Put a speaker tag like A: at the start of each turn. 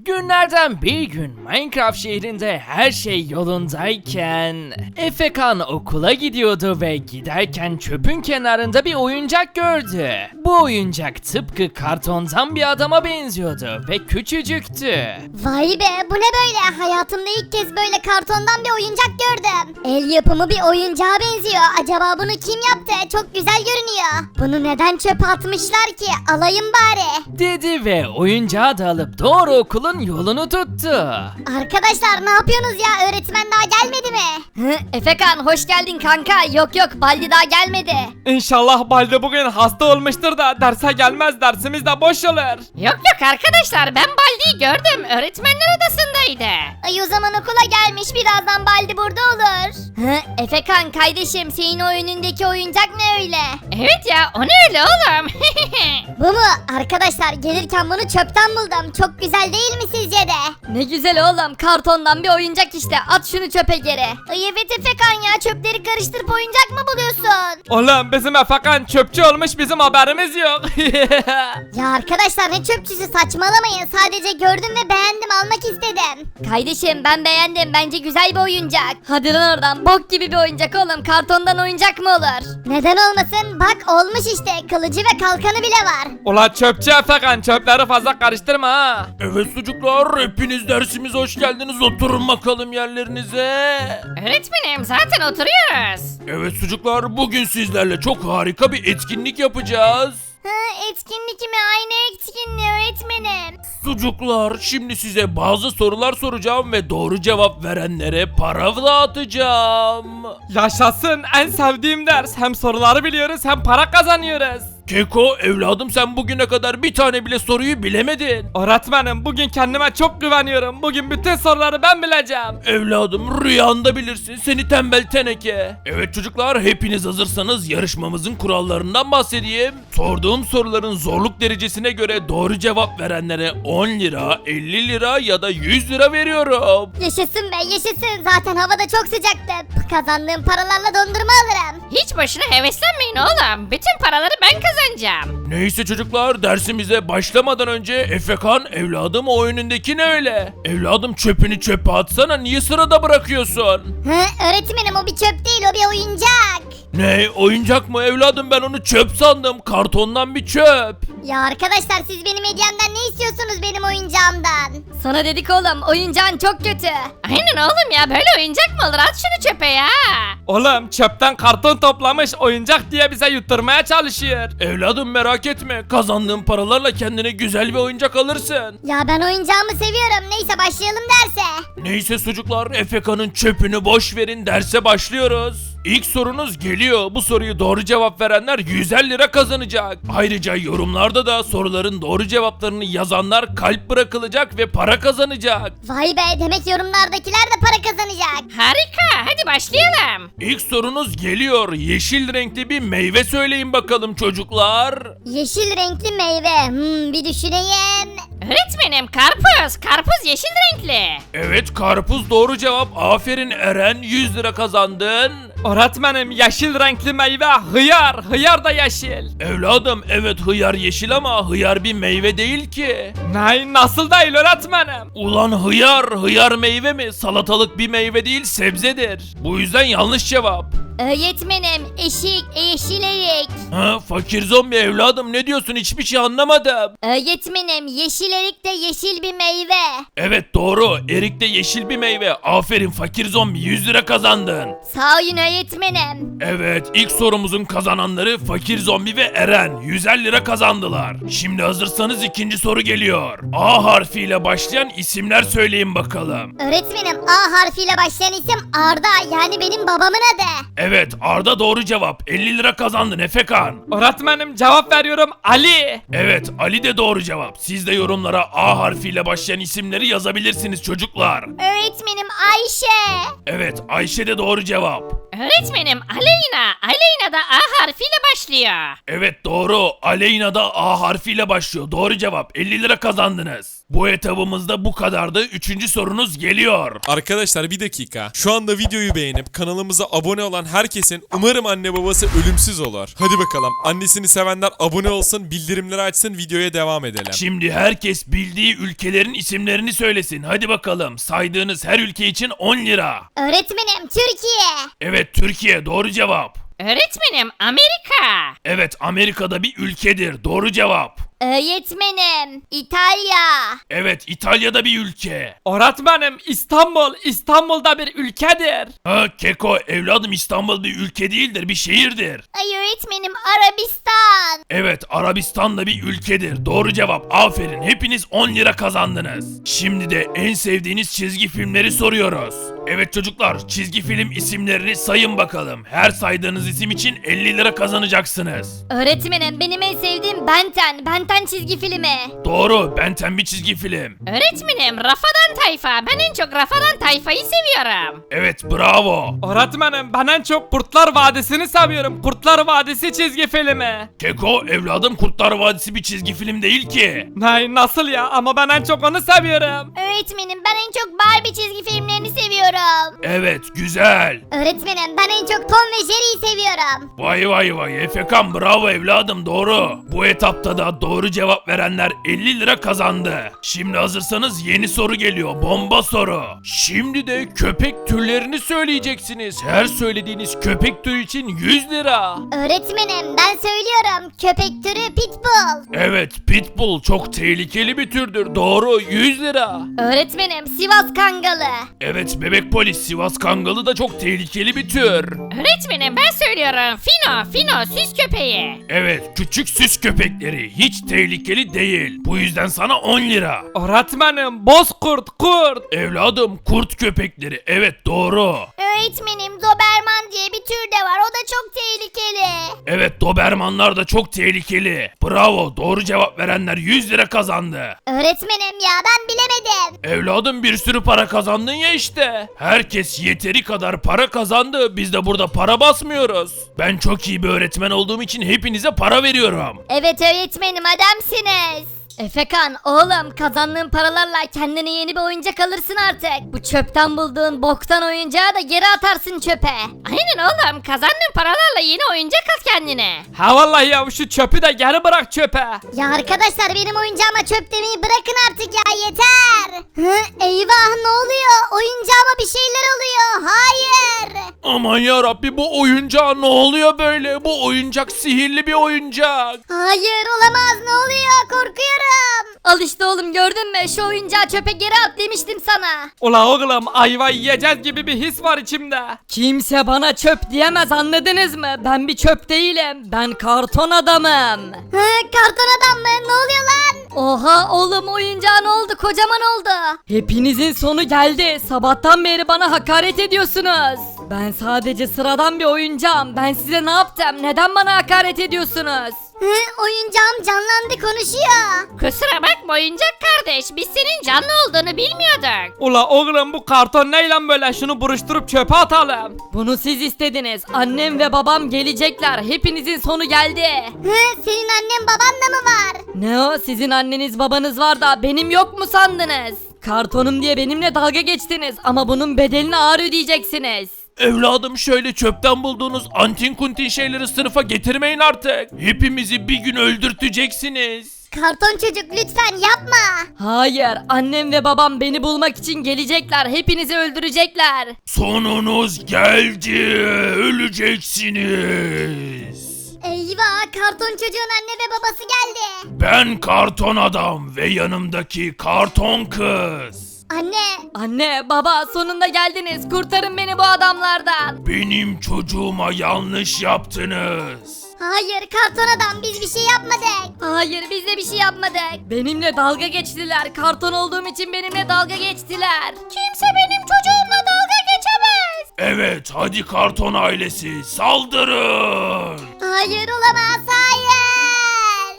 A: Günlerden bir gün Minecraft şehrinde her şey yolundayken Efekan okula gidiyordu ve giderken çöpün kenarında bir oyuncak gördü. Bu oyuncak tıpkı kartondan bir adama benziyordu ve küçücüktü.
B: Vay be, bu ne böyle? Hayatımda ilk kez böyle kartondan bir oyuncak gördüm. El yapımı bir oyuncağa benziyor. Acaba bunu kim yaptı? Çok güzel görünüyor. Bunu neden çöpe atmışlar ki? Alayım bari.
A: Dedi ve oyuncağı da alıp doğru okulun yolunu tuttu.
B: Arkadaşlar ne yapıyorsunuz ya? Öğretmen daha gelmedi mi?
C: Efekan hoş geldin kanka. Yok Baldi daha gelmedi.
D: İnşallah Balde bugün hasta olmuştur da derse gelmez, dersimiz de boş olur.
C: Yok arkadaşlar, ben Baldi'yi gördüm. Öğretmenler odasındaydı.
B: Ay, o zaman okula gelmiş. Birazdan Baldi burada olur.
C: Efekan kardeşim, senin o önündeki oyuncak ne öyle? Evet ya, o ne öyle oğlum?
B: Bu mu? Arkadaşlar gelirken bunu çöpten buldum. Çok güzel değil mi sizce de?
C: Ne güzel oğlum, kartondan bir oyuncak işte. At şunu çöpe geri.
B: Ay evet Efekan ya, çöpleri karıştırıp oyuncak mı buluyorsun?
D: Oğlum bizim Efekan çöpçü olmuş, bizim haberimiz yok.
B: Ya arkadaşlar ne çöpçüsü, saçmalamayın. Sadece gördüm ve beğendim, almak istedim.
C: Kardeşim ben beğendim, bence güzel bir oyuncak. Hadi lan oradan, bok gibi bir oyuncak oğlum. Kartondan oyuncak mı olur?
B: Neden olmasın? Bak olmuş işte, kılıcı ve kalkanı bile var.
D: Ulan çöpçü Efekan, çöpleri fazla karıştırma ha.
A: Evet çocuklar, hepiniz dersimize hoş geldiniz. Oturun bakalım yerlerinize.
C: Öğretmenim zaten oturuyoruz.
A: Evet çocuklar, bugün sizlerle çok harika bir etkinlik yapacağız.
B: Etkinlik mi? Aynı etkinliği öğretmenim.
A: Çocuklar, şimdi size bazı sorular soracağım ve doğru cevap verenlere para dağıtacağım.
D: Yaşasın, en sevdiğim ders. Hem soruları biliyoruz hem para kazanıyoruz.
A: Keko evladım, sen bugüne kadar bir tane bile soruyu bilemedin.
D: Öğretmenim bugün kendime çok güveniyorum. Bugün bütün soruları ben bileceğim.
A: Evladım, rüyanda bilirsin seni tembel teneke. Evet çocuklar, hepiniz hazırsanız yarışmamızın kurallarından bahsedeyim. Sorduğum soruların zorluk derecesine göre doğru cevap verenlere 10 lira, 50 lira ya da 100 lira veriyorum.
B: Yaşasın be yaşasın, zaten havada çok sıcaktı. Kazandığım paralarla dondurma alırım.
C: Hiç boşuna heveslenmeyin oğlum. Bütün paraları ben kazanacağım.
A: Neyse çocuklar, dersimize başlamadan önce Efekan evladım, o önündeki ne öyle? Evladım, çöpünü çöpe atsana, niye sırada bırakıyorsun?
B: Öğretmenim o bir çöp değil, o bir oyuncak.
A: Ne, oyuncak mı evladım, ben onu çöp sandım, kartondan bir çöp.
B: Ya arkadaşlar siz benim hediyemden ne istiyorsunuz, benim oyuncağımdan?
C: Sana dedik oğlum, oyuncağın çok kötü. Aynen oğlum ya, böyle oyuncak mı olur? At şunu çöpe ya.
D: Oğlum çöpten karton toplamış, oyuncak diye bize yutturmaya çalışıyor.
A: Evladım merak etme, kazandığın paralarla kendine güzel bir oyuncak alırsın.
B: Ya ben oyuncağımı seviyorum. Neyse başlayalım derse.
A: Neyse çocuklar, Efeka'nın çöpünü boş verin, derse başlıyoruz. İlk sorunuz geliyor. Bu soruyu doğru cevap verenler 150 lira kazanacak. Ayrıca yorumlarda da soruların doğru cevaplarını yazanlar kalp bırakılacak ve para kazanacak.
B: Vay be, demek yorumlardakiler de para kazanacak.
C: Harika, hadi başlayalım.
A: İlk sorunuz geliyor. Yeşil renkli bir meyve söyleyin bakalım çocuklar.
B: Yeşil renkli meyve. Bir düşüneyim.
C: Öğretmenim, karpuz. Karpuz yeşil renkli.
A: Evet, karpuz doğru cevap. Aferin Eren, 100 lira kazandın.
D: Öğretmenim yeşil renkli meyve hıyar. Hıyar da yeşil.
A: Evladım, evet hıyar yeşil ama hıyar bir meyve değil ki.
D: Ne, nasıl değil öğretmenim?
A: Ulan hıyar meyve mi? Salatalık bir meyve değil, sebzedir. Bu yüzden yanlış cevap.
C: Öğretmenim, yeşil erik.
A: Ha, fakir zombi evladım, ne diyorsun, hiçbir şey anlamadım.
C: Öğretmenim, yeşil erik de yeşil bir meyve.
A: Evet doğru, erik de yeşil bir meyve. Aferin fakir zombi, 100 lira kazandın.
C: Sağ olun öğretmenim.
A: Evet, ilk sorumuzun kazananları fakir zombi ve Eren 150 lira kazandılar. Şimdi hazırsanız ikinci soru geliyor. A harfiyle başlayan isimler söyleyin bakalım.
B: Öğretmenim A harfiyle başlayan isim Arda, yani benim babamın adı.
A: Evet, Arda doğru cevap. 50 lira kazandın Efekan.
D: Öğretmenim cevap veriyorum, Ali.
A: Evet, Ali de doğru cevap. Siz de yorumlara A harfiyle başlayan isimleri yazabilirsiniz çocuklar.
B: Öğretmenim Ayşe.
A: Evet, Ayşe de doğru cevap.
C: Öğretmenim, Aleyna. Aleyna da A harfiyle başlıyor.
A: Evet doğru, Aleyna da A harfiyle başlıyor. Doğru cevap. 50 lira kazandınız.
E: Bu etabımızda bu kadardı. 3. sorunuz geliyor.
F: Arkadaşlar bir dakika. Şu anda videoyu beğenip kanalımıza abone olan herkesin umarım anne babası ölümsüz olur. Hadi bakalım. Annesini sevenler abone olsun, bildirimleri açsın, videoya devam edelim.
E: Şimdi herkes bildiği ülkelerin isimlerini söylesin. Hadi bakalım. Saydığınız her ülke için 10 lira.
B: Öğretmenim Türkiye.
E: Evet, Türkiye doğru cevap.
C: Öğretmenim Amerika.
E: Evet, Amerika'da bir ülkedir. Doğru cevap.
B: Öğretmenim İtalya.
E: Evet, İtalya'da bir ülke.
D: Öğretmenim İstanbul. İstanbul'da bir ülkedir.
E: Ha Keko, evladım İstanbul bir ülke değildir, bir şehirdir.
B: Ay öğretmenim Arabistan.
E: Evet, Arabistan da bir ülkedir. Doğru cevap. Aferin. Hepiniz 10 lira kazandınız. Şimdi de en sevdiğiniz çizgi filmleri soruyoruz. Evet çocuklar, çizgi film isimlerini sayın bakalım. Her saydığınız isim için 50 lira kazanacaksınız.
B: Öğretmenim benim en sevdiğim Ben 10 çizgi filmi.
E: Doğru, Ben 10 bir çizgi film.
C: Öğretmenim Rafadan Tayfa. Ben en çok Rafadan Tayfa'yı seviyorum.
E: Evet, bravo.
D: Öğretmenim ben en çok Kurtlar Vadisi'ni seviyorum. Kurtlar Vadisi çizgi filmi.
E: Keko, evladım Kurtlar Vadisi bir çizgi film değil ki.
D: Ne nasıl ya, ama ben en çok onu seviyorum.
B: Öğretmenim ben en çok Barbie çizgi filmlerini seviyorum.
E: Evet, güzel.
B: Öğretmenim ben en çok Tom ve Jerry'yi seviyorum.
E: Vay vay vay, Efekan bravo evladım, doğru. Bu etapta da doğru cevap verenler 50 lira kazandı. Şimdi hazırsanız yeni soru geliyor, bomba soru. Şimdi de köpek türlerini söyleyeceksiniz. Her söylediğiniz köpek türü için 100 lira.
B: Öğretmenim ben söylüyorum köpek türü Pitbull.
E: Evet, Pitbull çok tehlikeli bir türdür, doğru, 100 lira.
B: Öğretmenim Sivas Kangalı.
E: Evet, bebek polis, Sivas Kangalı da çok tehlikeli bir tür.
C: Öğretmenim ben söylüyorum. Fino süs köpeği.
E: Evet, küçük süs köpekleri hiç tehlikeli değil. Bu yüzden sana 10 lira.
D: Öğretmenim Bozkurt kurt.
E: Evladım, kurt köpekleri, evet doğru.
B: Öğretmenim Doberman diye bir tür de var o da çok tehlikeli.
E: Evet, Dobermanlar da çok tehlikeli. Bravo, doğru cevap verenler 100 lira kazandı.
B: Öğretmenim ya ben bilemedim.
E: Evladım, bir sürü para kazandın ya işte. Herkes yeteri kadar para kazandı. Biz de burada para basmıyoruz. Ben çok iyi bir öğretmen olduğum için hepinize para veriyorum.
B: Evet öğretmenim adamsınız. Efekan oğlum kazandığın paralarla kendine yeni bir oyuncak alırsın artık. Bu çöpten bulduğun boktan oyuncağı da geri atarsın çöpe.
C: Aynen oğlum, kazandığın paralarla yeni oyuncak al kendine.
D: Ha vallahi ya, şu çöpü de geri bırak çöpe.
B: Ya arkadaşlar benim oyuncağıma çöp demeyi bırakın artık ya yeter. Eyvah ne oluyor? Oyuncağıma bir şeyler oluyor. Hayır.
E: Aman ya Rabbi, bu oyuncağa ne oluyor böyle? Bu oyuncak sihirli bir oyuncak.
B: Hayır olamaz ne oluyor? Korkuyorum. Al işte oğlum gördün mü? Şu oyuncağı çöpe geri at demiştim sana.
D: Ula oğlum, ayva yiyeceğiz gibi bir his var içimde. Kimse bana çöp diyemez, anladınız mı? Ben bir çöp değilim. Ben karton adamım.
B: Karton adam mı? Ne oluyor lan? Oha oğlum oyuncağı ne oldu? Kocaman oldu.
G: Hepinizin sonu geldi. Sabahtan beri bana hakaret ediyorsunuz. Ben sadece sıradan bir oyuncağım. Ben size ne yaptım? Neden bana hakaret ediyorsunuz?
B: Oyuncağım canlandı konuşuyor.
C: Kusura bakma oyuncak kardeş, biz senin canlı olduğunu bilmiyorduk.
D: Ula oğlum, bu karton neyle böyle? Şunu buruşturup çöpe atalım.
G: Bunu siz istediniz. Annem ve babam gelecekler. Hepinizin sonu geldi.
B: Senin annen baban da mı var?
G: Ne o? Sizin anneniz babanız var da benim yok mu sandınız? Kartonum diye benimle dalga geçtiniz ama bunun bedelini ağır ödeyeceksiniz.
E: Evladım, şöyle çöpten bulduğunuz antin kuntin şeyleri sınıfa getirmeyin artık. Hepimizi bir gün öldürteceksiniz.
B: Karton çocuk lütfen yapma.
G: Hayır, annem ve babam beni bulmak için gelecekler. Hepinizi öldürecekler.
E: Sonunuz geldi. Öleceksiniz.
B: Eyvah karton çocuğun anne ve babası geldi.
E: Ben karton adam ve yanımdaki karton kız.
G: Anne, baba sonunda geldiniz. Kurtarın beni bu adamlardan.
E: Benim çocuğuma yanlış yaptınız.
B: Hayır karton adam biz bir şey yapmadık.
G: Hayır, biz de bir şey yapmadık. Benimle dalga geçtiler. Karton olduğum için benimle dalga geçtiler.
B: Kimse benim çocuğumla dalga geçemez.
E: Evet, hadi karton ailesi saldırın.
B: Hayır olamaz hayır.